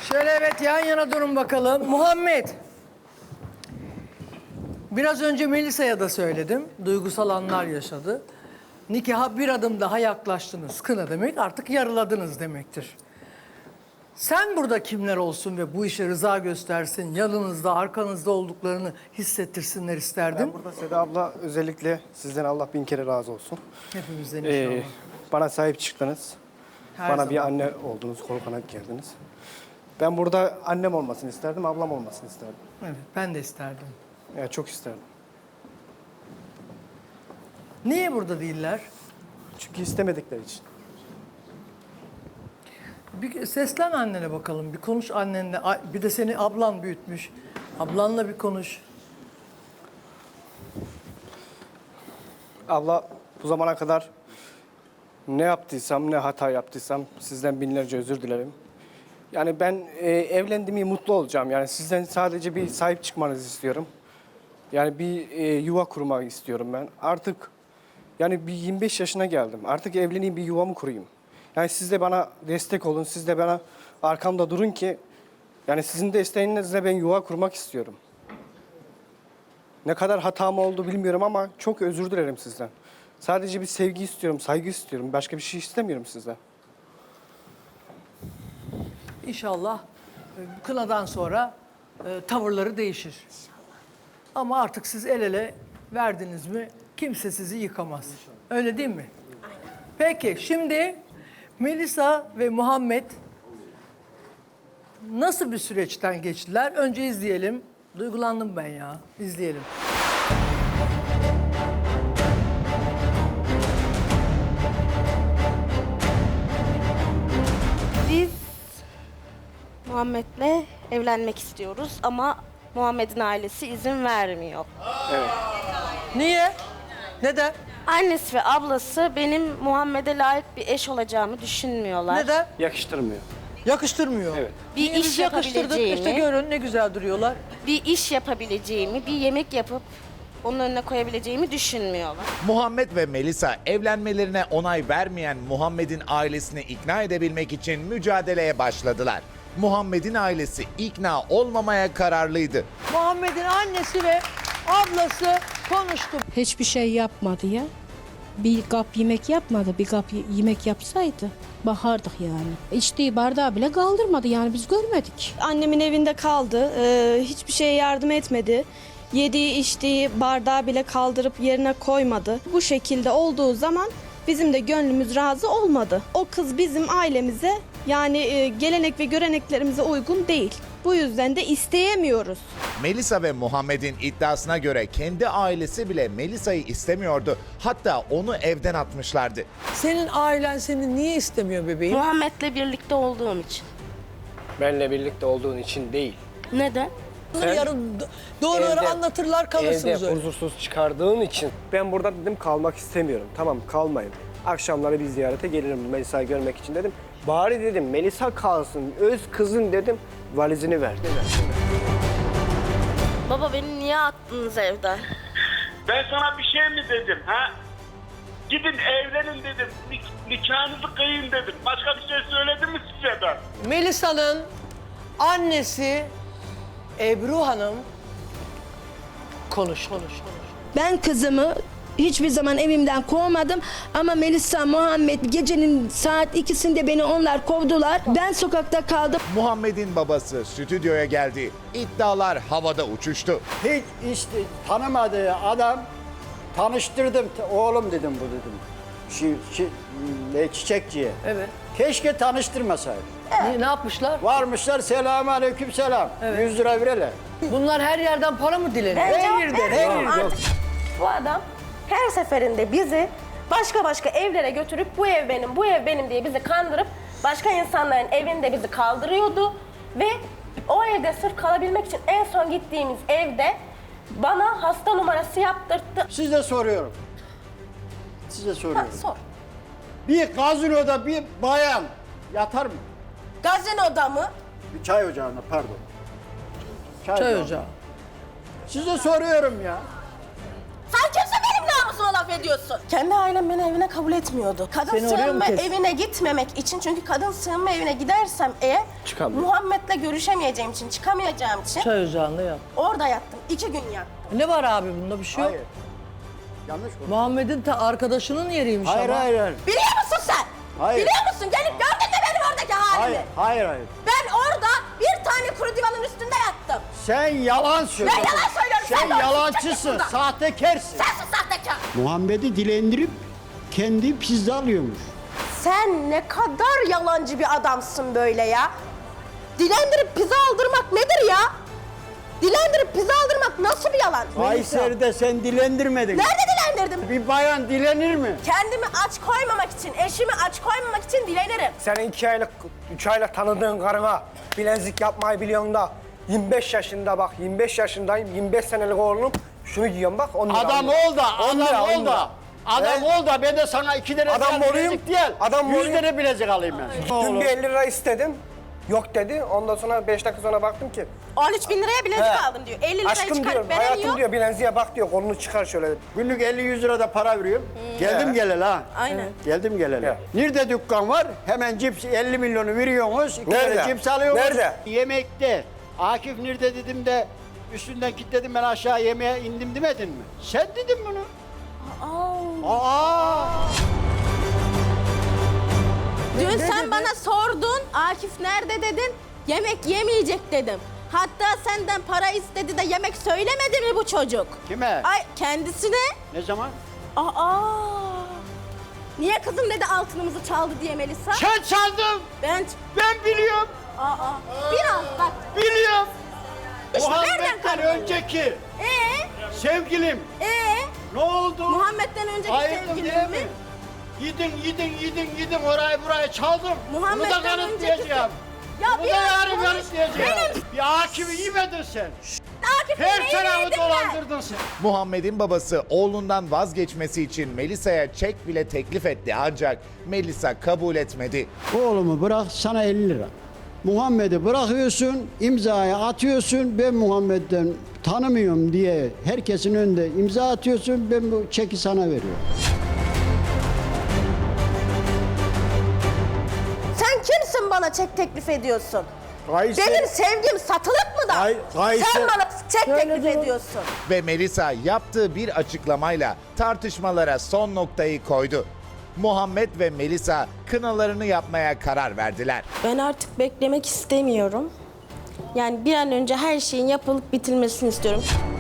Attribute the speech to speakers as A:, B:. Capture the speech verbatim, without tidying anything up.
A: Şöyle evet yan yana durun bakalım. Muhammed. Biraz önce Melisa'ya da söyledim. Duygusal anlar yaşadı. Nikaha bir adım daha yaklaştınız. Kına demek artık yarıladınız demektir. Sen burada kimler olsun ve bu işe rıza göstersin, yanınızda, arkanızda olduklarını hissettirsinler isterdim.
B: Ben burada Seda abla özellikle sizden Allah bin kere razı olsun.
A: Hepimizden inşallah.
B: Ee, bana sahip çıktınız.
A: Her
B: bana
A: zaman.
B: bir anne oldunuz, kol kanat geldiniz. Ben burada annem olmasını isterdim, ablam olmasını isterdim.
A: Evet, ben de isterdim.
B: Yani çok isterdim.
A: Niye burada değiller?
B: Çünkü istemedikleri için.
A: Bir seslen annene bakalım, bir konuş annenle. Ay, bir de seni ablan büyütmüş. Ablanla bir konuş.
B: Abla bu zamana kadar ne yaptıysam, ne hata yaptıysam sizden binlerce özür dilerim. Yani ben e, evlendiğimi mutlu olacağım. Yani sizden sadece bir sahip çıkmanızı istiyorum. Yani bir e, yuva kurmak istiyorum ben. Artık yani bir yirmi beş yaşına geldim. Artık evleneyim, bir yuvamı kurayım. Yani siz de bana destek olun. Siz de bana arkamda durun ki yani sizin desteğinizle ben yuva kurmak istiyorum. Ne kadar hatam oldu bilmiyorum ama çok özür dilerim sizden. Sadece bir sevgi istiyorum, saygı istiyorum. Başka bir şey istemiyorum sizden.
A: İnşallah e, bu kınadan sonra e, tavırları değişir. Ama artık siz el ele verdiniz mi kimse sizi yıkamaz. Öyle değil mi? Peki şimdi Melisa ve Muhammed nasıl bir süreçten geçtiler? Önce izleyelim. Duygulandım ben ya. İzleyelim.
C: Biz Muhammed'le evlenmek istiyoruz ama Muhammed'in ailesi izin vermiyor.
A: Niye? Neden?
C: Annesi ve ablası benim Muhammed'e layık bir eş olacağımı düşünmüyorlar.
A: Neden?
B: Yakıştırmıyor.
A: Yakıştırmıyor.
B: Evet.
C: Bir
A: Niye biz
C: iş
A: yakıştırdık?
C: yapabileceğimi,
A: İşte görün ne güzel duruyorlar.
C: bir iş yapabileceğimi, bir yemek yapıp onun önüne koyabileceğimi düşünmüyorlar.
D: Muhammed ve Melisa evlenmelerine onay vermeyen Muhammed'in ailesini ikna edebilmek için mücadeleye başladılar. Muhammed'in ailesi ikna olmamaya kararlıydı.
A: Muhammed'in annesi ve ablası konuştu.
E: Hiçbir şey yapmadı ya. Bir kap yemek yapmadı. Bir kap y- yemek yapsaydı bakardık yani. İçtiği bardağı bile kaldırmadı yani biz görmedik.
F: Annemin evinde kaldı. Ee, hiçbir şeye yardım etmedi. Yediği içtiği bardağı bile kaldırıp yerine koymadı. Bu şekilde olduğu zaman bizim de gönlümüz razı olmadı. O kız bizim ailemize yani e, gelenek ve göreneklerimize uygun değil. Bu yüzden de isteyemiyoruz.
D: Melisa ve Muhammed'in iddiasına göre kendi ailesi bile Melisa'yı istemiyordu. Hatta onu evden atmışlardı.
A: Senin ailen seni niye istemiyor bebeğim?
C: Muhammed'le birlikte olduğum için.
B: Benle birlikte olduğun için değil.
C: Neden?
A: Bunları yarın do- doğruları
B: Evde-
A: anlatırlar kalırsınız
B: Evde
A: öyle.
B: huzursuz çıkardığın için ben burada dedim kalmak istemiyorum. Tamam kalmayın. Akşamları bir ziyarete gelirim Melisa'yı görmek için dedim. Bari dedim Melisa kalsın. Öz kızın dedim valizini ver.
C: Baba beni niye attınız evden?
G: Ben sana bir şey mi dedim ha? Gidin evlenin dedim. Nik- nikahınızı kıyın dedim. Başka bir şey söyledim mi size ben?
A: Melisa'nın annesi Ebru Hanım konuş konuş konuş.
H: Ben kızımı hiçbir zaman evimden kovmadım ama Melisa, Muhammed gecenin saat ikisinde beni onlar kovdular. Ben sokakta kaldım.
D: Muhammed'in babası stüdyoya geldi. İddialar havada uçuştu.
I: Hiç işte tanımadığı adam tanıştırdım. Oğlum dedim bu dedim. Şi, şi, ne, çiçekçiye.
A: Evet.
I: Keşke tanıştırmasaydı.
A: Ne, ne yapmışlar?
I: Varmışlar selamun aleyküm selam. yüz lira verelim.
A: Bunlar her yerden para mı dileniyor?
I: Her yerden her yerden.
J: Bu adam her seferinde bizi başka başka evlere götürüp bu ev benim, bu ev benim diye bizi kandırıp başka insanların evinde bizi kaldırıyordu. Ve o evde sırf kalabilmek için en son gittiğimiz evde bana hasta numarası yaptırttı.
I: Size soruyorum. Size soruyorum.
J: Ha, sor.
I: Bir gazinoda bir bayan yatar mı?
J: Gazinoda mı?
I: Bir çay ocağında pardon.
A: Çay ocağı.
I: Size soruyorum ya.
J: Sen kimsin benim namusuma kızıma laf ediyorsun? Kendi ailem beni evine kabul etmiyordu. Kadın
A: Seni oraya mı
J: sığınma
A: kes-
J: evine gitmemek için, çünkü kadın sığınma evine gidersem eğer
B: Çıkamıyor.
J: Muhammed'le görüşemeyeceğim için, çıkamayacağım için
A: Çay ocağında yat.
J: orada yattım. İki gün yattım.
A: Ne var abi bunda bir şey yok.
I: Hayır. Yanlış bu.
A: Muhammed'in ta arkadaşının yeriymiş
I: Hayır
A: ama.
I: hayır hayır.
J: Biliyor musun sen?
I: Hayır.
J: Biliyor musun? Gelip gördün mü benim oradaki halimi?
I: Hayır hayır hayır.
J: Ben orada bir tane kuru divanın üstünde yattım.
I: Sen yalan söylüyorsun.
J: Ben yalan söylüyorum.
I: Sen
J: Sen de o
I: yalancısın,
J: çıkacaksın
I: sahtekarsın.
J: Sensin sahtekar.
I: Muhammed'i dilendirip kendi pizza alıyormuş.
J: Sen ne kadar yalancı bir adamsın böyle ya. Dilendirip pizza aldırmak nedir ya? Dilendirip pizza aldırmak nasıl bir yalan?
I: Kayseri'de sen dilendirmedin.
J: Nerede dilendirdim?
I: Bir bayan dilenir mi?
J: Kendimi aç koymamak için, eşimi aç koymamak için dilenirim.
B: Senin iki aylık, üç aylık tanıdığın karına bilezik yapmayı biliyorsun da yirmi beş yaşında bak, yirmi beş yaşındayım, yirmi beş senelik oğlum şunu giyiyorum bak. on lira
I: Adam
B: alıyor.
I: ol da,
B: on lira,
I: adam
B: on
I: ol
B: lira.
I: da. Adam
B: He?
I: ol da ben de sana iki lira
B: Adam
I: bilezik
B: olayım,
I: değil.
B: adam
I: Yüz
B: olayım.
I: lira bilezik alayım ben.
B: Dün bir elli lira istedim. Yok dedi. Ondan sonra beş dakika sonra baktım ki.
J: on üç bin liraya bilezik
B: He.
J: aldım diyor. elli lirayı
B: Aşkım diyor,
J: çıkarıp veren
B: hayatım
J: yok.
B: diyor bileziğe bak diyor. Kolunu çıkar şöyle.
I: Günlük elli yüz lira da para veriyorum. Geldim
B: He.
I: geleli ha.
J: Aynen.
I: Geldim geleli.
B: He.
I: Nerede dükkan var? Hemen cips elli milyonu veriyorsunuz. İki
B: Nerede?
I: lira cips alıyorsunuz.
B: Nerede?
I: Yemekte. Akif nerede dedim de üstünden kilitledim ben aşağı yemeğe indim demedin mi? Sen dedin bunu. Aa. Aa.
J: Dün sen bana sordun, Akif nerede dedin? Yemek yemeyecek dedim. Hatta senden para istedi de yemek söylemedi mi bu çocuk?
I: Kime?
J: Ay kendisine.
I: Ne zaman?
J: Aa. Niye kızım dedi altınımızı çaldı diye Melisa?
I: Sen çaldın.
J: Ben
I: Ben biliyorum.
J: Aa. Biraz bak.
I: Biliyorum.
J: İşte nereden
I: Muhammed'den
J: kanıtladın?
I: önceki
J: Ee?
I: sevgilim
J: Ee?
I: ne oldu?
J: Muhammed'den önceki
I: Ayıptır
J: sevgilin
I: değil
J: mi?
I: mi? Yedin, yedin, yedin, yedin orayı burayı çaldım. Bunu da
J: Muhammed'den
I: kanıtlayacağım.
J: Ya
I: Bunu da
J: biraz
I: yarın
J: konuş.
I: kanıtlayacağım.
J: Benim
I: Bir Akif'i yemedin sen.
J: Akif'in
I: Her
J: neyini
I: tarafı
J: yedim ben?
I: dolandırdın sen.
D: Muhammed'in babası oğlundan vazgeçmesi için Melisa'ya çek bile teklif etti ancak Melisa kabul etmedi.
I: Oğlumu bırak sana elli lira. Muhammed'i bırakıyorsun, imzayı atıyorsun. Ben Muhammed'den tanımıyorum diye herkesin önünde imza atıyorsun. Ben bu çeki sana veriyorum.
J: Sen kimsin bana çek teklif ediyorsun?
I: Kayseri-
J: Benim sevgim satılık mı da?
I: Kay- Kayseri-
J: Sen bana çek teklif ediyorsun.
D: Ve Melisa yaptığı bir açıklamayla tartışmalara son noktayı koydu. Muhammed ve Melisa kınalarını yapmaya karar verdiler.
J: Ben artık beklemek istemiyorum. Yani bir an önce her şeyin yapılıp bitilmesini istiyorum.